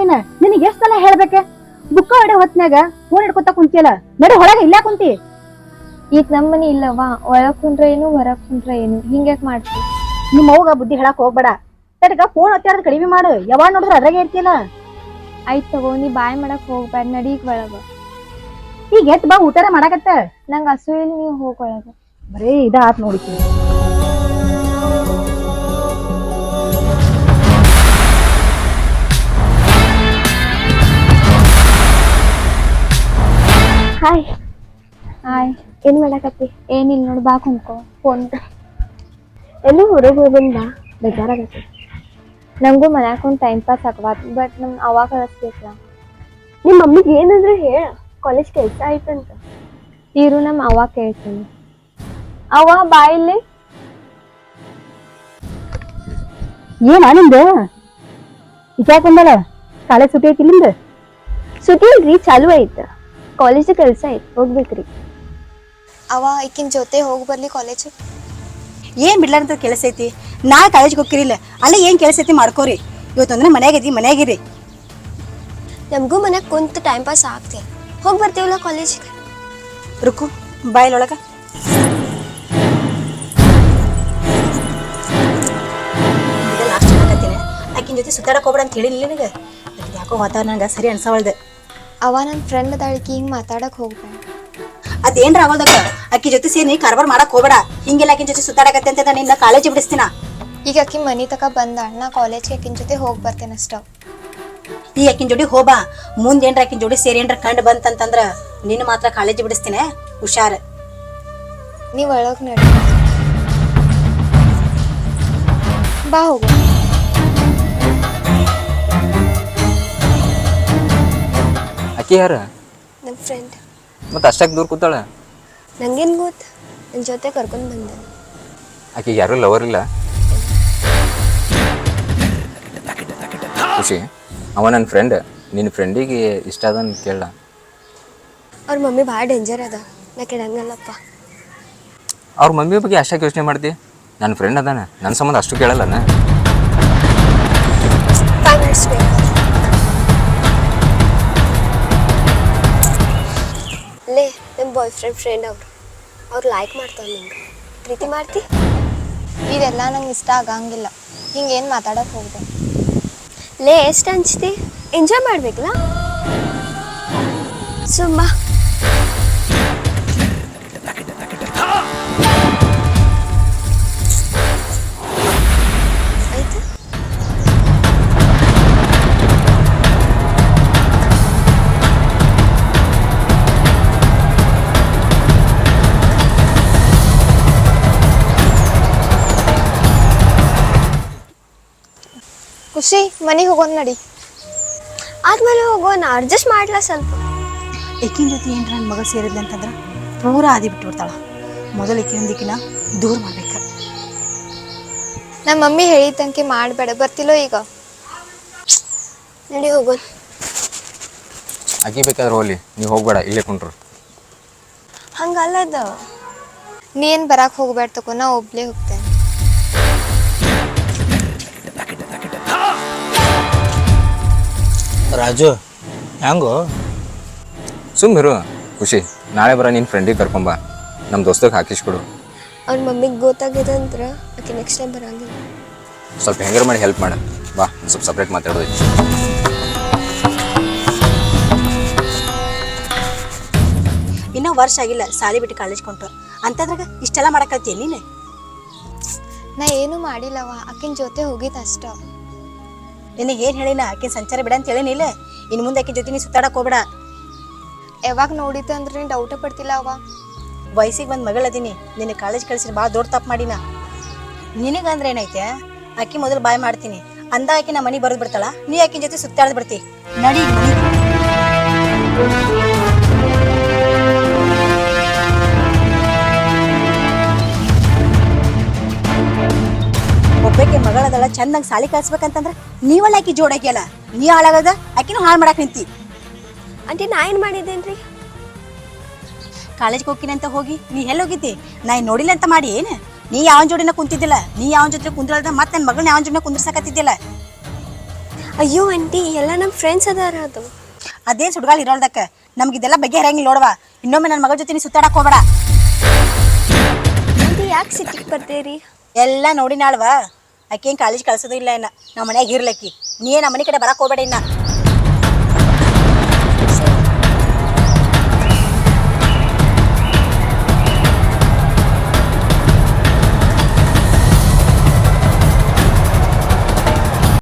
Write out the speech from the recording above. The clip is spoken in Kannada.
ನೀನ್ ನಿನಗೆ ಎಷ್ಟ್ ಸಲ ಹೇಳ್ಬೇಕೆ ಬುಕ್ಕ ಹೊಡೆ ಹೊತ್ನ್ಯಾಗ ಫೋನ್ ಹಿಡ್ಕೊತ ಕುಂತಿಯಲ್ಲ ನಡಿ ಹೊರಗೆ ಇಲ್ಲ ಕುಂತಿ ಈಗ ನಮ್ಮನಿ ಇಲ್ಲವಾ ಒಳಗ್ ಕುಂದ್ರ ಏನು ಹೊರಗ್ ಕುಂದ್ರ ಏನು ಹಿಂಗ್ಯಾಕ್ ಮಾಡ್ತಿ ನಿಮ್ಮ ಅವ್ಗ ಬುದ್ಧಿ ಹೇಳಕ್ ಹೋಗ್ಬೇಡ ತಡಗ ಫೋನ್ ಒತ್ತಾಡೋದ್ ಕಡಿಮೆ ಮಾಡು ಯಾವಾಗ ನೋಡಿದ್ರ ಅದ್ರಾಗೆ ಇರ್ತಿಯಲ್ಲ ಆಯ್ತ್ ತಗೋ ನೀ ಬಾಯ್ ಮಾಡಕ್ ಹೋಗ್ಬೇಡ ನಡಿ ಈಗ ಒಳಗ ಈಗ ಎತ್ ಬಾ ಊಟಾರ ಮಾಡಕತ್ತ ನಂಗ ಹಸು ಇಲ್ಲಿ ನೀವ್ ಹೋಗ್ ಒಳಗ ಬರೀ ಇದ ಆತ್ ನೋಡಿಕಿ ಹಾಯ್ ಹಾಯ್ ಏನ್ ಮಾಡಕತ್ತಿ ಏನಿಲ್ಲ ನೋಡ್ ಬಾ ಕುಂತ್ಕೋ ಫೋನ್ ಎಲ್ಲಿ ಹೊರಗೆ ಹೋಗ್ಬಂದ ಬೇಜಾರಾಗತ್ತೆ ನಂಗೂ ಮನ್ಯಾಗ ಒಂದು ಟೈಮ್ ಪಾಸ್ ಆಗವಾತ್ ಬಟ್ ನಮ್ ಅವಾಗ ಕಳಿಸ್ಬೇಕಲ್ಲ ನಿಮ್ಮ ಮಮ್ಮಿಗೆ ಏನಂದ್ರೆ ಹೇಳ ಕಾಲೇಜ್ ಕೆಲಸ ಆಯ್ತಂತ ಇರು ನಮ್ಮ ಅವ್ವ ಕೇಳ್ತೀನಿ ಅವ್ವ ಬಾ ಇಲ್ಲಿ ಏನ ನಿಂದ ವಿಚಾರ ಬಂದಲ್ಲ ಕಾಲೇಜ್ ಸುಟಿ ಐತಿ ನಿಂದ ಸುಟಿ ಇಲ್ರಿ ಚಾಲು ಐತ ಕಾಲೇಜ್ ಕೆಲಸ ಐತ್ ಹೋಗ್ಬೇಕ್ರಿ ಅವ ಈಕಿನ ಜೊತೆ ಹೋಗಿ ಬರ್ಲಿ ಕಾಲೇಜ್ ಏನ್ ಬಿಡ್ಲಾರಂತ ಕೆಲಸ ಐತಿ ನಾ ಕಾಲೇಜ್ಗೆ ಹೋಗ್ತಿರಿಲ್ಲ ಅಲ್ಲ ಏನ್ ಕೆಲಸ ಐತಿ ಮಾಡ್ಕೋರಿ ಇವತ್ತಂದ್ರೆ ಮನ್ಯಾಗೈತಿ ಮನ್ಯಾಗಿರಿ ನಮಗೂ ಮನ್ಯಾಗ ಕುಂತ ಟೈಮ್ ಪಾಸ್ ಆಗ್ತಿಲ್ಲ ಹೋಗಿ ಬರ್ತೀವಲ್ಲ ಕಾಲೇಜಿಗೆ ರುಕು ಬಾಯಿಲೊಳಗ ಲಾಸ್ಟ್ ಹೇಳಕತ್ತೀನಿ ಆಕಿನ ಜೊತೆ ಸುತ್ತಾಡಕ್ ಹೋಗ್ಬೇಡ ಅಂತ ಹೇಳಿಲ್ಲ ನಿನಗೆ ಯಾಕೋ ವಾತಾವರಣ ನಂಗೆ ಸರಿ ಅನ್ಸವಲ್ದು ಅವ ನನ್ನ ಫ್ರೆಂಡ್ ಅದಾಳಿಕಿ ಹಿಂಗೆ ಮಾತಾಡಕ್ ಹೋಗ್ಬೇಡ ಅದೇನ್ರ ಆಗೋದಕ್ಕ ಅಕ್ಕಿ ಜೊತೆ ಸೇರಿ ಕಾರ್ಬಾರ್ ಮಾಡಕ್ ಹೋಗ್ಬೇಡ ಹಿಂಗೆಲ್ಲ ಆಕಿನ ಜೊತೆ ಸುತ್ತಾಡಕತ್ತೆ ಅಂತ ನಿನ್ನ ಕಾಲೇಜ್ ಬಿಡಿಸ್ತೀನ ಈಗ ಆಕಿ ಮನಿ ತಕ ಬಂದಾಳ ನಾ ಕಾಲೇಜ್ಗೆ ಆಕಿನ ಜೊತೆ ಹೋಗಿ ಬರ್ತೇನೆ ಅಷ್ಟ ಈ ಆಕಿನ ಜೋಡಿ ಹೋಬಾ ಮುಂದ್ ಏನ್ರ ಆಕಿನ ಜೋಡಿ ಸೇರಿ ಏನ್ರ ಕಂಡು ಬಂತಂತಂದ್ರ ನಿನ್ನ ಮಾತ್ರ ಕಾಲೇಜ್ ಬಿಡಿಸ್ತೀನಿ ಹುಷಾರ್ ನೀವ್ ಒಳಗ್ ನಡಿ ಬಾ ಹೋಗು ಆಕಿ ಯಾರ ನನ್ನ ಫ್ರೆಂಡ್ ಮತ್ತೆ ಅಷ್ಟಾಗಿ ದೂರ ಕೂತಾಳ ನಂಗೇನು ಗೊತ್ತು ನನ್ನ ಜೊತೆ ಕರ್ಕೊಂಡು ಬಂದೆ ಆಕಿಗೆ ಯಾರೂ ಲವರ್ ಇಲ್ಲ ಖುಷಿ ಅವ ನನ್ನ ಫ್ರೆಂಡ್ ನಿನ್ನ ಫ್ರೆಂಡಿಗೆ ಇಷ್ಟ ಅದನ್ನು ಕೇಳ ಅವ್ರ ಮಮ್ಮಿ ಭಾಳ ಡೇಂಜರ್ ಅದ ನಾ ಕೇಳಂಗಲ್ಲಪ್ಪ ಅವ್ರ ಮಮ್ಮಿ ಬಗ್ಗೆ ಅಷ್ಟಾಗಿ ಯೋಚನೆ ಮಾಡ್ತಿ ನನ್ನ ಫ್ರೆಂಡ್ ಅದಾನ ನನ್ನ ಸಂಬಂಧ ಅಷ್ಟು ಕೇಳಲ್ಲನ 5 minutes ಬೇಕು ಲೇ ನಮ್ಮ ಬಾಯ್ ಫ್ರೆಂಡ್ ಅವ್ರು ಲೈಕ್ ಮಾಡ್ತಾವ ನಿಂಗೆ ಪ್ರೀತಿ ಮಾಡ್ತಿ ಇವೆಲ್ಲ ನಂಗೆ ಇಷ್ಟ ಆಗಂಗಿಲ್ಲ ಹಿಂಗೇನು ಮಾತಾಡೋಕೆ ಹೋಗ್ದೆ ಲೇ ಎಷ್ಟು ಹಂಚ್ತಿ ಎಂಜಾಯ್ ಮಾಡ್ಬೇಕಲ್ಲ ಸುಮ್ಮ ಆಯ್ತು ಖುಷಿ ಮನೆಗೆ ಹೋಗೋಣ ನಡಿ ಆದ್ಮೇಲೆ ಹೋಗೋಣ ಅಡ್ಜಸ್ಟ್ ಮಾಡ್ಲಾ ಸ್ವಲ್ಪ ಈಕಿನ ಜೊತೆ ಏನ್ರ ನನ್ನ ಮಗ ಸೇರಿದ್ಲೆ ಅಂತಂದ್ರೆ ಪೂರ ಆದಿ ಬಿಟ್ಟು ಬಿಡ್ತಾಳ ಮೊದಲು ಈಕಿನೊಂದಿಕಿನ ದೂರ ಮಾಡ್ಬೇಕ ನಮ್ಮ ಮಮ್ಮಿ ಹೇಳಿದಂಗೆ ಮಾಡಬೇಡ ಬರ್ತಿಲ್ಲೋ ಈಗ ನಡಿ ಹೋಗೋಣ ಆಕಿ ಬೇಕಾದ್ರೆ ಹೋಗ್ಲಿ ನೀವು ಹೋಗ್ಬೇಡ ಇಲ್ಲೇ ಕುಂಟ್ರು ಹಂಗಲ್ಲದ ನೀ ಏನು ಬರಕ್ಕೆ ಹೋಗ್ಬೇಡ ತಗೋ ನಾ ಒಬ್ಳೇ ಹೋಗ್ತೇನೆ ರಾಜು ಹೆಂಗೋ ಸುಮ್ಮಿರು ಖುಷಿ ನಾಳೆ ಬರ ನಿನ್ನ ಫ್ರೆಂಡಿಗೆ ಕರ್ಕೊಂಬ ನಮ್ಮ ದೋಸ್ತಗೆ ಹಾಕಿಸ್ಕೊಡು ಅವ್ನ ಮಮ್ಮಿಗೆ ಗೊತ್ತಾಗಿದೆ ಅಂದ್ರೆ ಆಕೆ ನೆಕ್ಸ್ಟ್ ಟೈಮ್ ಬರಂಗಿಲ್ಲ ಸ್ವಲ್ಪ ಹೆಂಗಾರ ಮಾಡಿ ಹೆಲ್ಪ್ ಮಾಡು ಬಾ ಸ್ವಲ್ಪ ಸಪ್ರೇಟ್ ಮಾತಾಡೋದು ಇನ್ನೂ ವರ್ಷ ಆಗಿಲ್ಲ ಸಾಲಿ ಬಿಟ್ಟು ಕಾಲೇಜ್ ಕೊಂಟು ಅಂತಂದ್ರಾಗ ಇಷ್ಟೆಲ್ಲ ಮಾಡಕತ್ತೀಯ ನೀನು ನಾ ಏನು ಮಾಡಿಲ್ಲವ ಆಕಿನ ಜೊತೆ ಹೋಗಿದ್ದು ಅಷ್ಟ ನಿನಗೆ ಏನು ಹೇಳಿನ ಆಕಿನ ಸಂಚಾರ ಬಿಡ ಅಂತ ಹೇಳಿನಿಲ್ಲ ಇನ್ನು ಮುಂದೆ ಆಕಿನ ಜೊತೆ ನೀ ಸುತ್ತಾಡಕ್ ಹೋಗ್ಬೇಡ ಯಾವಾಗ ನೋಡಿದ್ದೆ ಅಂದ್ರೆ ನೀನು ಡೌಟ ಪಡ್ತಿಲ್ಲ ಅವ ವಯಸ್ಸಿಗೆ ಬಂದು ಮಗಳದೀನಿ ನಿನ್ನ ಕಾಲೇಜ್ ಕಳಿಸಿದ್ರೆ ಭಾಳ ದೊಡ್ಡ ತಪ್ಪು ಮಾಡಿನ ನಿನಗಂದ್ರೆ ಏನೈತೆ ಆಕಿ ಮೊದಲು ಬಾಯ್ ಮಾಡ್ತೀನಿ ಅಂದ ಆಕಿ ನಮ್ಮ ಮನೆಗೆ ಬರೋದು ಬಿಡ್ತಾಳ ನೀ ಆಕಿನ ಜೊತೆ ಸುತ್ತಾಡ್ದು ಬಿಡ್ತಿ ನಡಿ ಮನೆಗೆ ಒಬ್ಬಕ್ಕೆ ಮಗಳದಳ ಚಂದಂಗೆ ಸಾಲಿ ಕಳ್ಸ್ಬೇಕಂತಂದ್ರೆ ನೀವಲ್ಲ ಆಕಿ ಜೋಡಾಕಿಯಲ್ಲ ನೀ ಹಾಳಾಗದ ಆಕಿನೂ ಹಾಳು ಮಾಡಕ್ ನಿಂತಿ ಆಂಟಿ ನಾ ಏನು ಮಾಡಿದ್ದೇನ್ರಿ ಕಾಲೇಜ್ಗೆ ಹೋಗ್ತೀನಿ ಅಂತ ಹೋಗಿ ನೀ ಎಲ್ಲಿ ಹೋಗಿದ್ದಿ ನಾ ನೋಡಿಲ್ಲ ಅಂತ ಮಾಡಿ ಏನು ನೀ ಯಾವನ್ ಜೋಡಿನ ಕುಂತಿದ್ದಿಲ್ಲ ನೀ ಯಾವನ್ ಜೊತೆ ಕುಂದ್ರಲ್ದ ಮತ್ತೆ ನನ್ನ ಮಗಳನ್ನ ಯಾವನ್ ಜೋಡಿನ ಕುಂದ್ರಸಕತ್ತಿದ್ದಿಲ್ಲ ಅಯ್ಯೋ ಆಂಟಿ ಎಲ್ಲ ನಮ್ಮ ಫ್ರೆಂಡ್ಸ್ ಅದಾರ ಅದು. ಅದೇನು ಸುಡ್ಗಾಲ್ ಇರೋಳ್ದಕ್ಕೆ ನಮ್ಗೆ ಇದೆಲ್ಲ ಬಗೆಹರಂಗಿಲ್ಲ ನೋಡುವ. ಇನ್ನೊಮ್ಮೆ ನನ್ನ ಮಗಳ ಜೊತೆ ನೀ ಸುತ್ತಾಡಕ್ ಹೋಗ್ಬೇಡ. ಆಂಟಿ ಯಾಕೆ ಸಿಟ್ಟಿಗೆ ಬರ್ತೀರಿ? ಎಲ್ಲ ನೋಡಿ ನಾಳ್ವಾ ಆಕೆ ಕಾಲೇಜ್ ಕಳ್ಸೋದು ಇಲ್ಲ ಇನ್ನ ನಮ್ಮ ಮನ್ಯಾಗ ಇರ್ಲಕ್ಕಿ. ನೀ ನಮ್ಮ ಮನೆ ಕಡೆ ಬರಕ್ ಹೋಗ್ಬೇಡ ಇನ್ನ.